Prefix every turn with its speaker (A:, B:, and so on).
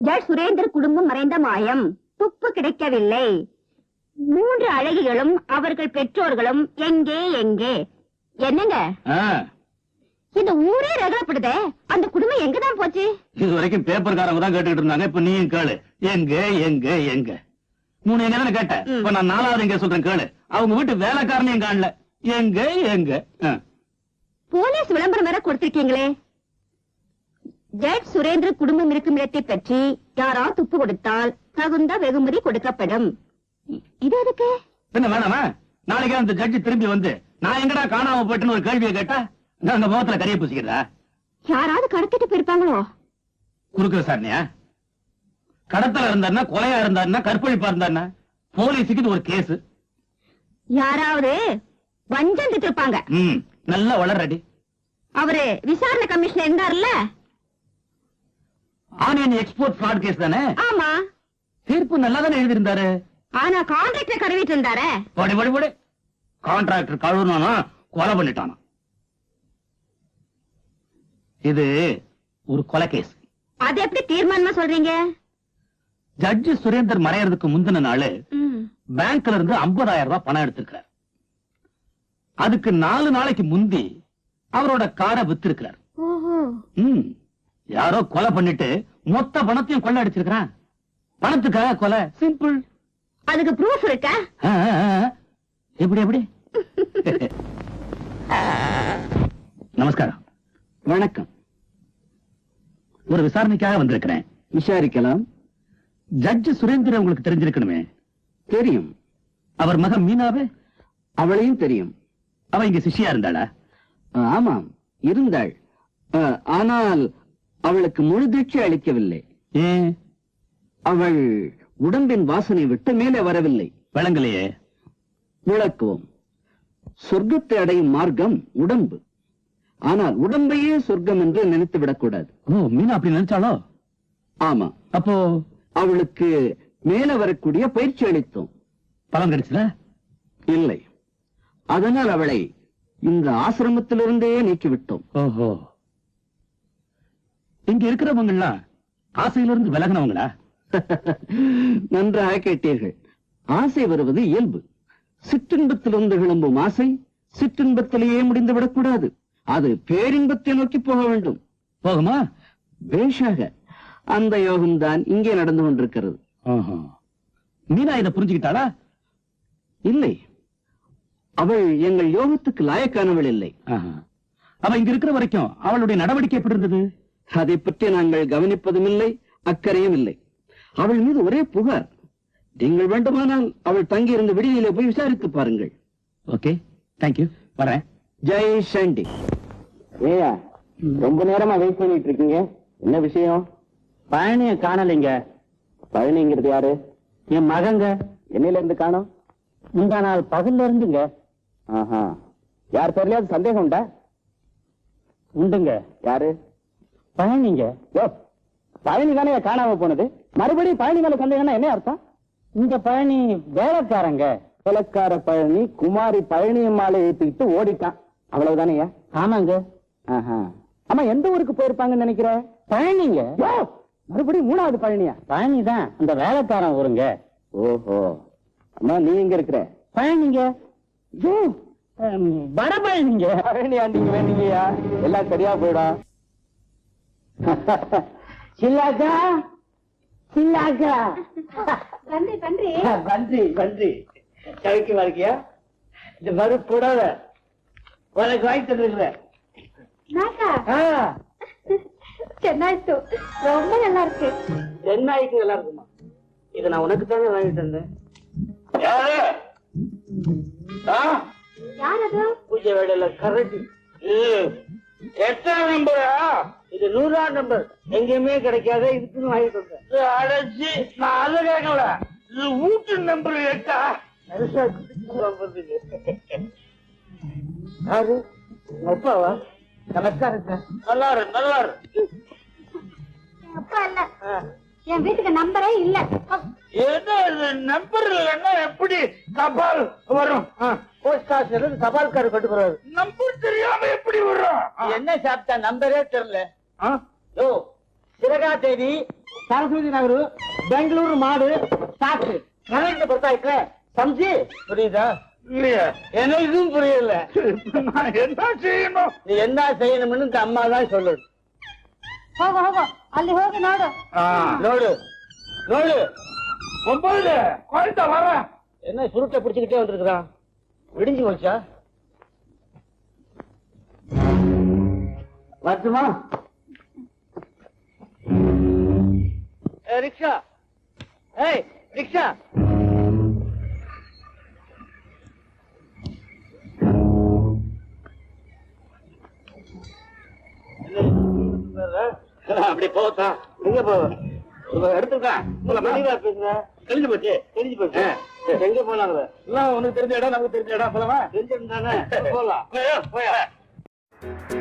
A: Z Surender குடும்பம் மறைந்த மாயம், துப்பு கிடைக்கவில்லை, 3 அழகிகளும் அவர்கள் பெற்றோர்களும் எங்கே எங்கே? என்னங்க இந்த ஊரே ரகப்படுதே, அந்த குடும்பம் எங்கதான் போச்சு?
B: இது வரைக்கும் பேப்பர்காரங்க தான் கேட்டுக்கிட்டு இருந்தாங்க. இப்ப நீயும் கேளு, எங்க எங்க எங்க? 3 எங்க தானே கேட்ட, இப்ப நான் 4வது எங்க சொல்றேன் கேளு. அவங்க வீட்டு வேலைக்காரனையும் காணல, எங்க எங்க?
A: போலீஸ் விளம்பரம் வேற கொடுத்திருக்கீங்களே. ஜட் சுரேந்திர குடும்பம் இருக்கும் இடத்தை பற்றி யாரா துப்பு கொடுத்தால் தகுந்த வெகுமதி கொடுக்கப்படும். இது எதுக்கு?
B: என்ன வேணாமா? நாளைக்கு அந்த ஜட்ஜி திரும்பி வந்து நான் எங்கடா காணாம போயிட்டுன்னு ஒரு கேள்வியை கேட்டா அந்த முகத்துல கரிய பூசிக்கிறதா?
A: யாராவது கடத்திட்டு போயிருப்பாங்களோ?
B: குறுக்கு விசாரணையா? கடத்தல இருந்தாருன்னா, கொலையா இருந்தாருன்னா, கற்பழிப்பா இருந்தாருன்னா, போலீஸுக்கு இது ஒரு கேஸ்.
A: யாராவது வஞ்சம் திட்டிருப்பாங்க.
B: நல்லா வளர்றடி.
A: அவரு விசாரணை கமிஷனர் இருந்தார்ல,
B: ஆனியன் எக்ஸ்போர்ட் ஃப்ராட் கேஸ் தானே?
A: ஆமா.
B: தீர்ப்பு நல்லா தானே எழுதியிருந்தாரு.
A: ஆனா கான்ட்ராக்டர் கருவிட்டு இருந்தாரு.
B: படி படி படி. கான்ட்ராக்டர் கழுவுனானா கொலை பண்ணிட்டானா? இது ஒரு கொலை கேஸ்.
A: அது எப்படி தீர்மானமா சொல்றீங்க?
B: ஜட்ஜி சுரேந்தர் மறையறதுக்கு முந்தின நாள் பேங்க்ல இருந்து 50,000 ரூபாய் பணம் எடுத்திருக்கிறார். அதுக்கு 4 நாளைக்கு முந்தி அவரோட காரை வித்திருக்கிறார். யாரோ கொலை பண்ணிட்டு மொத்த பணத்தையும் கொள்ள அடிச்சிருக்கிறான். பணத்துக்காக கொலை, சிம்பிள்.
A: அதுக்கு ப்ரூஃப் இருக்கா?
B: எப்படி எப்படி? நமஸ்காரம்.
C: வணக்கம்.
B: ஒரு விசாரணைக்காக வந்திருக்கிறேன்.
C: விசாரிக்கலாம்.
B: ஜட்ஜி சுரேந்திர உங்களுக்கு தெரிஞ்சிருக்கணுமே?
C: தெரியும்.
B: அவர் மகன் மீனாவே?
C: அவளையும் தெரியும்.
B: அவ இங்க சிஷ்யா இருந்தாளா?
C: ஆமாம், இருந்தாள். ஆனால் அவளுக்கு முழு தீட்சை அளிக்கவில்லை.
B: ஏன்?
C: அவள் உடம்பின் வாசனை விட்டு மேலே வரவில்லை.
B: விளங்கலையே.
C: விளக்குவோம். சொர்க்கத்தை அடையும் மார்க்கம் உடம்பு. ஆனால் உடம்பையே சொர்க்கம் என்று நினைத்து விடக்கூடாது.
B: ஓ, மீனா அப்படி நினைச்சாலோ?
C: ஆமா.
B: அப்போ
C: அவளுக்கு மேல வரக்கூடிய பயிற்சி அளித்தோம்.
B: பலன் கிடைச்சதா?
C: இல்லை. அதனால் அவளை இந்த ஆசிரமத்திலிருந்தே நீக்கிவிட்டோம்.
B: ஓஹோ. இங்க இருக்கிறவங்க எல்லாம் ஆசையிலிருந்து விலகினவங்களா?
C: நன்றாக கேட்டீர்கள். ஆசை வருவது இயல்பு. சிற்றின்பத்திலிருந்து கிளம்பும் ஆசை சிற்றின்பத்திலேயே முடிந்து விடக்கூடாது. அது பேரின்பத்தை நோக்கி போக வேண்டும்.
B: போகுமா?
C: பேஷாக. அந்த யோகம்தான் இங்கே நடந்து கொண்டிருக்கிறது.
B: மீனா இதை புரிஞ்சுக்கிட்டாளா?
C: இல்லை, அவள் எங்கள் யோகத்துக்கு லாயக்கானவள் இல்லை.
B: அவ இங்க இருக்கிற வரைக்கும் அவளுடைய நடவடிக்கை எப்படி இருந்தது?
C: அதை பற்றி நாங்கள் கவனிப்பதும் இல்லை, அக்கறையும் இல்லை. அவள் மீது ஒரே புகார். நீங்கள் வேண்டுமானால் அவள் தங்கி இருந்த விடுதியிலே போய் விசாரித்து பாருங்கள்.
B: Okay, thank you. வரேன்.
C: ஜெய் சண்டி. ஏயா, ரொம்ப நேரமா வெயிட் பண்ணிட்டு இருக்கீங்க. என்ன விஷயம்? பழனிய காணலைங்க. பழனிங்கிறது யாரு? என் மகங்க. என்னையில இருந்து காணோம்? முந்தா நாள் பகல்ல இருந்துங்க. யார் தெரியலையாவது சந்தேகம் உண்டா? உண்டுங்க. யாரு? பழனிங்க. பழனி தானே காணாம போனது. மறுபடியும் பழனி மேல சந்தேகம்னா என்ன அர்த்தம்? இந்த பழனி வேலைக்காரங்க. வேலைக்கார பழனி குமாரி பழனியம்மாளை ஏத்துக்கிட்டு ஓடிட்டான், அவ்வளவுதானே? ஆமாங்க. ஆமா, எந்த ஊருக்கு போயிருப்பாங்கன்னு நினைக்கிற? பழனிங்க. மறுபடியும் 3வது பழனியா? பழனி தான் அந்த வேலைக்காரன் ஊருங்க. ஓஹோ. அம்மா, நீ எங்க இருக்கிற? பழனிங்க. வட பழனிங்க. பழனி ஆண்டிங்க வேண்டிங்கயா, எல்லாம் சரியா போயிடும். சில்லாக்கா, சில்லாக்கா.
A: நன்றி நன்றி
C: நன்றி நன்றி. கவிக்கு வாழ்க்கையா? இந்த மறு போடாத உனக்கு வாங்கி தந்துருக்குறேன்.
A: சென்னாய்த்து ரொம்ப நல்லா இருக்கு.
C: சென்னாய்க்கு நல்லா இருக்குமா? இதை நான் உனக்கு தானே வாங்கி தந்தேன்.
A: யார் அது?
C: பூஜை வேலையில கரெக்ட். எத்தனை நம்பரா? இது 100ஆம் நம்பர். எங்கேயுமே கிடைக்காத, இதுக்குன்னு வாங்கி தந்தேன். அடைச்சி நான் அதை கேட்கல. இது வீட்டு நம்பர் கேட்டா யாரு? அப்பாவா? நமஸ்காரம் சார். நல்லா இருக்கு, நல்லா இருக்கு.
A: அப்பா இல்ல, என் வீட்டுக்கு நம்பரே இல்ல.
C: நம்பர் இல்லன்னா எப்படி தபால் வரும்? போஸ்ட் ஆபீஸ்ல தபால்காரர் கொண்டு போறாரு. நம்பர் தெரியாம எப்படி வரும்? என்ன சாப்பிட்டா நம்பரே தெரியல. சிறகா தேதி சரஸ்வதி நகர் பெங்களூரு மாடு சாக்கு கரெக்ட் பொறுத்தாயிட்டு சம்ஜி புரியுதா இல்லையா எனக்கும் புரியல நான் என்ன செய்யணும் நீ என்ன செய்யணும்னு இந்த அம்மா தான் சொல்லணும்
A: ಹೋಗು ಹೋಗು ಅಲ್ಲಿ ಹೋಗಿ ನೋಡು
C: நோடு நோடு 9 கோயில்ட்ட வர என்ன சுருட்டை பிடிச்சுக்கிட்டே வந்திருக்கிறான் விடிஞ்சு போச்சா வரட்டுமா ரிக்ஷா ஏய் ரிக்ஷா அப்படி போத்தான் எங்க போவ எடுத்துருக்கா உங்களை மணிவா பேசுங்க தெரிஞ்சு போச்சு எங்க போனாங்க எல்லாம் உனக்கு தெரிஞ்ச இடம் நமக்கு தெரிஞ்ச இடம் போலாமா தெரிஞ்சிருந்தானே போலாம் போயா